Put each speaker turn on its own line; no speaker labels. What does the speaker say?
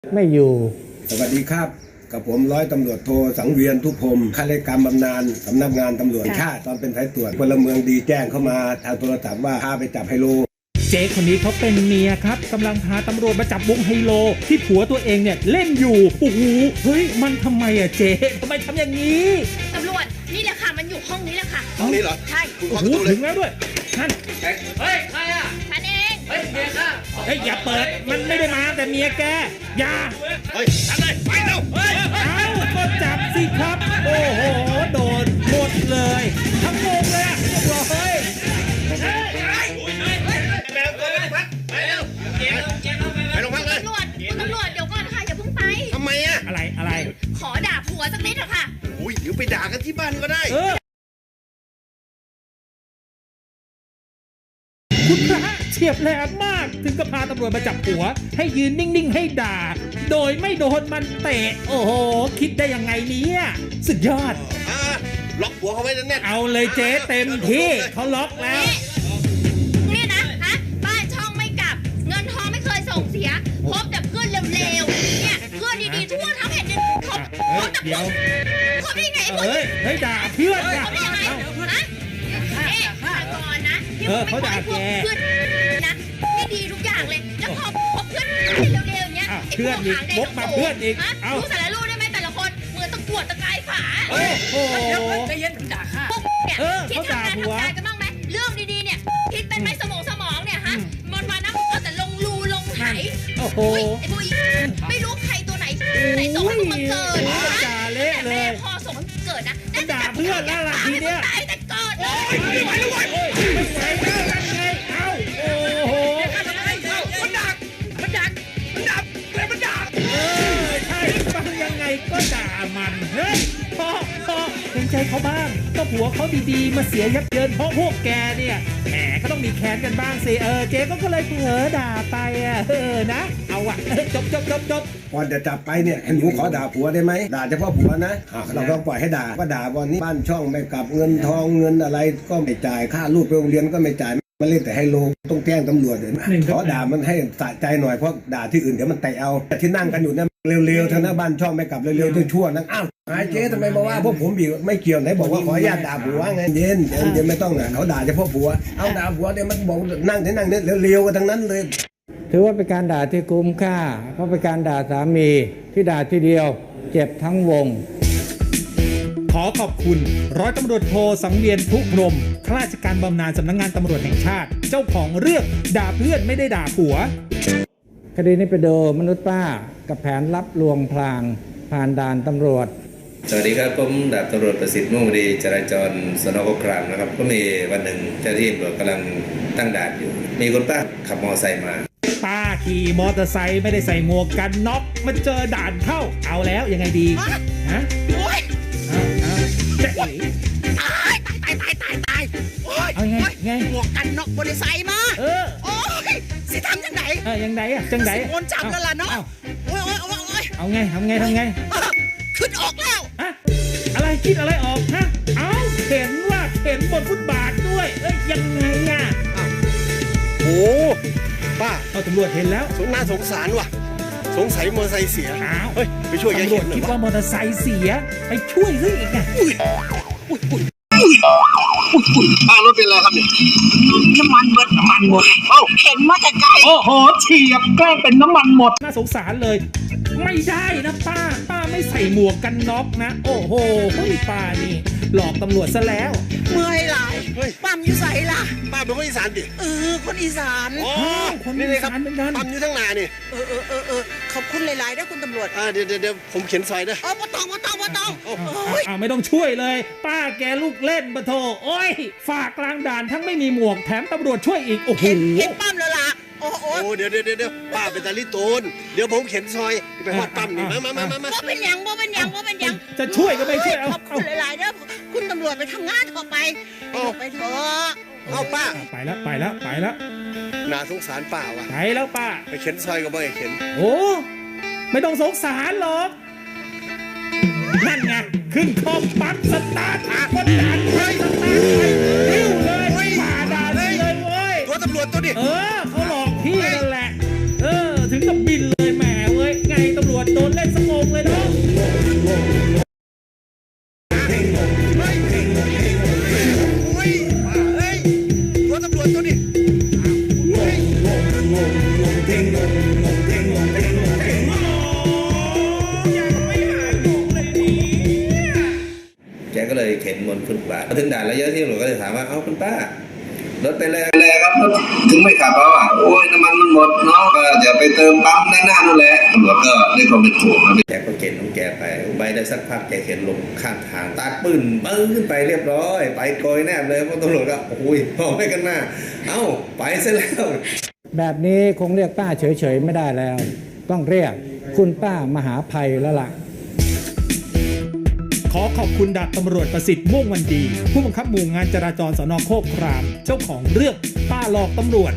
ไม่อยู่
สวัสดีครับกับผมร้อยตำรวจโทสังเวียนทุพพรมข้าราชการบำนาญสำนักงานตำรวจแห่งชาติตอนเป็นสายตรวจพลเมืองดีแจ้งเข้ามาทางโทรศัพท์ว่าพาไปจับไฮโล
เจ๊คนนี้เขาเป็นเมียครับกำลังพาตำรวจมาจับวงไฮโลที่ผัวตัวเองเนี่ยเล่นอยู่โอ้โหเฮ้ยมันทำไมอะเจ๊ทำไมทำอย่างนี้
ตำรวจนี่แหละค่ะมันอยู่ห้องนี้แหละค่ะ
ห้องนี้เหรอ
ใช่
โอ้โหถึงแล้วด้วยท่าน
เฮ้ยใครอ่ะ
ฉันเอง
เฮ้ยเมียข้า
เฮ้ยอย่าเปิดมันไม่ได้มาแต่เมียแกอย่า
เฮ้ยทำเลยไปเร็วเฮ้ย
เอาก็จับสิครับโอ้โหโดนหมดเลยทั้งวงเลยเรียบร้อย
ไปโรงพักเลย
ตำรวจคุณตำรวจเดี๋ยวก่อนค่ะอย่าเพิ่งไป
ทำไมอ่ะ
อะไร
ขอด่าผัวสักนิดเถอะค่ะ
อุ้ยเดี๋ยวไปด่ากันที่บ้านก็ได้
คุณพระเฉียบแหลมมากถึงกับพาตำรวจมาจับผัวให้ยืนนิ่งๆให้ด่าโดยไม่โดนมันเตะโอ้โหคิดได้ยังไงเนี่ยสุดยอด
ล็อกหัวเขาไว้แน่น
เอาเลยเจ๊เต็มที่เขาล็อกแล้ว
เนี่ยนะฮะบ้านช่องไม่กลับเงินทองไม่เคยส่งเสียพบแต่เพื่อนเร็วๆเนี่ยเพื่อนดีๆทั่วทั้งแผ่นดินพบแต่เดี๋ยวพบได้ไง
เฮ้ยด่าเพื่อน
พบได้ยังไงฮะฟังก่อนนะที่ผมไม่ขอให้พวกเพื่อนนะไม่ดีทุกอย่างเลยแล้วพบเพื่อนเร็วๆอย่างเงี้ย
เพื่อนอีกบกมาเพื่อนอีก
รู้สารรู้ได้ไหมแต่ละคนมือตะกวดตะกายฝา
โอ้โห
ใจเย็นด่าข้า
พวกเนี่ยคิดทำงานกันบ้างไหมเรื่องดีๆเนี่ยคิดเป็นไหมสมองเนี่ยฮะมันมานะเอาแต่ลงรูลงไห
โอ้โห
ไอ้พวกไม่รู้ใครตัวไหนส่งให้มาเกิด
ด่าเละเลย
แม่พอส่งให้เกิดนะ
ด่าเพื่อนแล้วล่ะทีเนี้ย
ตายแต่เกิดเลย
ไม่ไหวแล้วไม่ไหวแล้วกันไงเอ้าโอ้โห
มันดัก
ใช่ฟังยังไงก็ด่ามันเฮ้ยพอเห็นใจเขาบ้างก็ผัวเขาดีๆมาเสียยับเยินเพราะพวกแกเนี่ยแหมก็ต้องมีแค้นกันบ้างสิเจ๊ก็เลยเผลอด่าไปนะเอาอะจบ
ก่อนจะจับไปเนี่ยหนูขอด่าผัวได้ไหมด่าเฉพาะผัวนะเราต้องปล่อยให้ด่าว่าด่าวันนี้บ้านช่องไม่กลับเงินทองเงินอะไรก็ไม่จ่ายค่าลูกไปโรงเรียนก็ไม่จ่ายมาเล่นแต่ไฮโลต้องแจ้งตำรวจเลยขอด่ามันให้สะใจหน่อยเพราะด่าที่อื่นเดี๋ยวมันเตะเอาที่นั่งกันอยู่เนี่ยเร็วๆทางหน้าบ้านช่องไม่กลับเร็วๆชั่วๆนั่งอ้าวหายเจ๊ทำไมมาว่าพวกผมบีไม่เกี่ยวไหนบอกว่าขออนุญาตด่าผัวไงเย็นไม่ต้องนะเขาด่าเฉพาะผัวเอาด่าผัวเดี๋ยวมันบอกนั่งเนี่ยเร็วๆกันทั้งนั้นเลย
ถือว่าเป็นการด่าที่คุ้มค่าเพราะเป็นการด่าสามีที่ด่าทีเดียวเจ็บทั้งวง
ขอขอบคุณร้อยตำรวจโทสังเวียนทุพรมข้าราชการบำนาญสำนักงานตำรวจแห่งชาติเจ้าของเรื่องด่าเพื่อนไม่ได้ด่าผัว
คดีนี้ไปดูมนุษย์ป้ากับแผนลับลวงพลางผ่านด่านตำรวจ
สวัสดีครับผมดาบตำรวจประสิทธิ์ม่วงดีจราจรสน.โคกครามนะครับก็มีวันหนึ่งเจ้าหน้าที่ตำรวจกำลังตั้งด่านอยู่มีคนป้าขับมอเตอร์ไซค์มา
ป้าขี่มอเตอร์ไซค์ไม่ได้ใส่หมวกกันน็อกมาเจอด่านเข้าเอาแล้วยังไงดีฮะ
โอ้ย
จะเอ๋
ตาย
เอาไง
หมวกกันน็อกบริษัทมาโอ้ยสิทำยังไง
ยังไงจังไง
โอนจับแล้วล่ะเนาะโอ้ย
เอาไงทำไง
ขึ้นออกแล้ว
อะไรคิดอะไรออกฮะเอาเข็นบนฟุตบาทด้วยยังไงอ่ะ
โอ้ป้า
ตำรวจเห็นแล้ว
น่าสงสารว่ะสงสัยมอเตอร์ไซค์เสีย
เฮ้ย
ไปช่วยแก
ตำรวจคิดว่ามอเตอร์ไซค์เสียไปช่วยสิอีกไง
ป้ารถเป็นอะไรครับเนี่ย
น้ำมันหมดเข็นมาแต่ไกล
โอ้โหเฉียบแกล้งเป็นน้ำมันหมดน่าสงสารเลยไม่ได้นะป้าไม่ใส่หมวกกันน็อกนะโอ้โหป้านี่หลอกตำรวจซะแล้ว
เมื่อยหลายปั๊มอยู่ใส่ล่ะ
ป้าเป็นคนอีสานดิ
คนอีสาน
คนอีสานเหมือนกัน
ปั๊มอยู่ทั้งนานี่
ขอบคุณหลายๆนะคุณตำรวจ
เดี๋ยวผมเขียนซอยนะ
ไม่ต้องไม่
ต้องช่วยเลยป้าแกลูกเล่นปะโถโอ้ยฝากกลางด่านทั้งไม่มีหมวกแถมตำรวจช่วยอีกโอ้โห
เห็นปั๊มแล้วล่ะ
โอ้เดี๋ยวป้าเป็นตาลิโตนเดี๋ยวผมเข็นซอยไปหอดปั๊มนี่มา
ว่าเป็นยัง
จะช่วยก็ไม่ช่วย
ขอบคุณหลายๆนะคุณตำรวจไปทำงานต่อไปไปเถอะ
เอาป้า
ไปแล้ว
น่าสงสารป้าว่ะ
ไปแล้วป้า
ไปเข็นซอยก็ไม่เข็น
โอ้ไม่ต้องสงสารหรอกนั่นไงขึ้นคอมปั๊บสตาร์ทคนด่านไปสตาร์ทไปเร็วเลยฝ่าด่านเลยเว้ย
ตัวตำรวจตัวดิ
เขาหลอกพี่นั่นแหละถึงกับบินเลยแหมเว้ยไงตำรวจโดนเล่นสงงเลยเนาะ
รถตำรวจตัวนี้
แกก็เลยเข็นบนฟุตบาทมาถึงด่านแล้วเยอะที่ตำรวจก็เลยถามว่าเอ้าคุณป้ารถไปแรงครับรถถึงไม่ขับแล้วอ่ะโอ้ยน้ำมันมันหมดเนาะเดี๋ยวไปเติมปั๊มด้านหน้านู่นแหละตำรวจก็ด้วยความเป็นห่วงครับแกก็เข็นของแกไปได้สักพักแกเข็นลงข้างทางตาปืนปึ้งขึ้นไปเรียบร้อยไปโกยแนบเลยเพราะตำรวจก็โอ้ยพอไม่กันหน้าเอ้าไปซะแล้ว
แบบนี้คงเรียกป้าเฉยๆไม่ได้แล้ว ต้องเรียกคุณป้ามหาภัยแล้วล่ะ
ขอขอบคุณดาบตำรวจประสิทธิ์ม่วงวันดี ผู้บังคับหมู่งานจราจรสน.โคกคราม เจ้าของเรื่องป้าหลอกตำรวจ